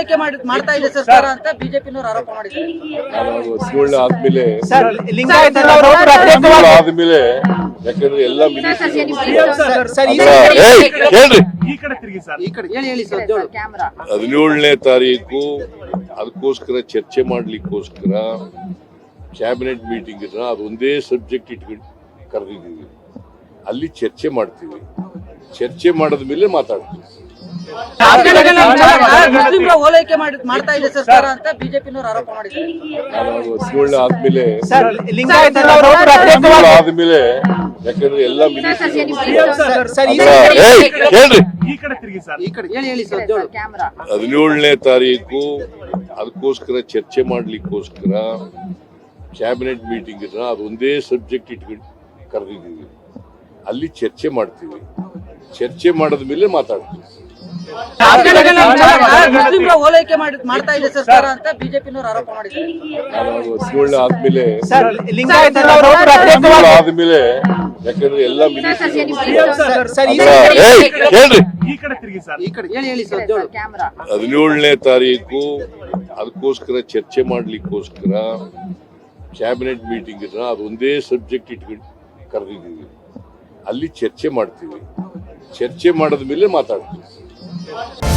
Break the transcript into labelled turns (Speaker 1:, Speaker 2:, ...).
Speaker 1: ಮಾಡ್ತಾ ಇದೆ ಸರ್ಕಾರ ಅಂತ ಬಿಜೆಪಿನವರು ಆರೋಪ ಮಾಡಿದ್ದಾರೆ.
Speaker 2: ಹಸುಗಳನ್ನ ಆದ್ಮೇಲೆ ಆದ್ಮೇಲೆ ಯಾಕಂದ್ರೆ ಎಲ್ಲ
Speaker 1: ಹೇಳಿ ಸರ್
Speaker 2: 17ನೇ ತಾರೀಕು ಅದಕ್ಕೋಸ್ಕರ ಚರ್ಚೆ ಮಾಡ್ಲಿಕ್ಕೋಸ್ಕರ ಕ್ಯಾಬಿನೆಟ್ ಮೀಟಿಂಗ್ ಇದ್ರೆ ಅದೊಂದೇ ಸಬ್ಜೆಕ್ಟ್ ಇಟ್ಕೊಂಡು ಕರೆದಿದ್ದೀವಿ. ಅಲ್ಲಿ ಚರ್ಚೆ ಮಾಡ್ತೀವಿ. ಚರ್ಚೆ ಮಾಡಿದ ಮೇಲೆ ಮಾತಾಡ್ತೀವಿ.
Speaker 1: ಮುಸ್ಲಿಂರ ಓಲೈಕೆ ಮಾಡ್ತಾ ಇದೆ ಸರ್ಕಾರ ಅಂತ ಬಿಜೆಪಿನವರು ಆರೋಪ ಮಾಡಿದ್ದಾರೆ.
Speaker 2: ಹಸುಗಳನ್ನ ಆದ್ಮೇಲೆ ಯಾಕಂದ್ರೆ ಎಲ್ಲ
Speaker 1: ಹೇಳಿ ಸರ್
Speaker 2: 17ನೇ ತಾರೀಕು ಅದಕ್ಕೋಸ್ಕರ ಚರ್ಚೆ ಮಾಡ್ಲಿಕ್ಕೋಸ್ಕರ ಕ್ಯಾಬಿನೆಟ್ ಮೀಟಿಂಗ್ ಇದ್ರೆ ಅದೊಂದೇ ಸಬ್ಜೆಕ್ಟ್ ಇಟ್ಕೊಂಡು ಕರೆದಿದ್ದೀವಿ. ಅಲ್ಲಿ ಚರ್ಚೆ ಮಾಡ್ತೀವಿ. ಚರ್ಚೆ ಮಾಡಿದ ಮೇಲೆ ಮಾತಾಡ್ತೀವಿ.
Speaker 1: ಮುಸ್ಲಿಂರ ಓಲೈಕೆ ಮಾಡ್ತಾ ಇದೆ ಸರ್ಕಾರ ಅಂತ ಬಿಜೆಪಿನವರು ಆರೋಪ ಮಾಡಿದ್ದಾರೆ.
Speaker 2: ಹಸುಗಳನ್ನ ಆದ್ಮೇಲೆ ಯಾಕಂದ್ರೆ ಎಲ್ಲ
Speaker 1: ಹೇಳಿ ಸರ್
Speaker 2: 17ನೇ ತಾರೀಕು ಅದಕ್ಕೋಸ್ಕರ ಚರ್ಚೆ ಮಾಡ್ಲಿಕ್ಕೋಸ್ಕರ ಕ್ಯಾಬಿನೆಟ್ ಮೀಟಿಂಗ್ ಇದ್ರೆ ಅದೊಂದೇ ಸಬ್ಜೆಕ್ಟ್ ಇಟ್ಕೊಂಡು ಕರೆದಿದ್ದೀವಿ. ಅಲ್ಲಿ ಚರ್ಚೆ ಮಾಡ್ತೀವಿ. ಚರ್ಚೆ ಮಾಡಿದ ಮೇಲೆ ಮಾತಾಡ್ತೀವಿ.